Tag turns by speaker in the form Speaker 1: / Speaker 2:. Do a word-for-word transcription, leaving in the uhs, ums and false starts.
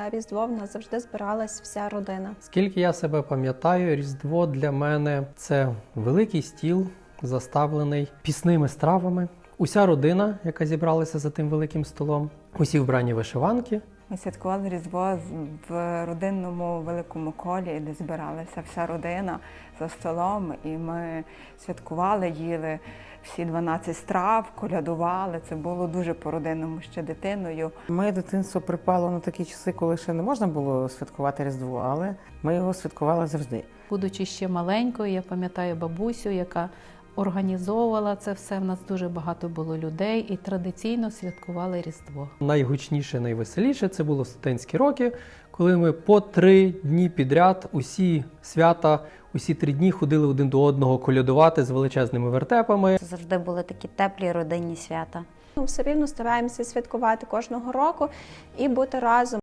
Speaker 1: на Різдво в нас завжди збиралась вся родина.
Speaker 2: Скільки я себе пам'ятаю, Різдво для мене – це великий стіл, заставлений пісними стравами. Уся родина, яка зібралася за тим великим столом, усі вбрані вишиванки.
Speaker 3: Ми святкували Різдво в родинному великому колі, де збиралася вся родина за столом. І ми святкували, їли всі дванадцять страв, колядували. Це було дуже по-родинному ще дитиною.
Speaker 4: Моє дитинство припало на такі часи, коли ще не можна було святкувати Різдво, але ми його святкували завжди.
Speaker 5: Будучи ще маленькою, я пам'ятаю бабусю, яка організовувала це все. В нас дуже багато було людей і традиційно святкували Різдво.
Speaker 2: Найгучніше, найвеселіше – це було студентські роки, коли ми по три дні підряд усі свята, усі три дні ходили один до одного колядувати з величезними вертепами.
Speaker 6: Це завжди були такі теплі родинні свята.
Speaker 1: Ну, все рівно стараємося святкувати кожного року і бути разом.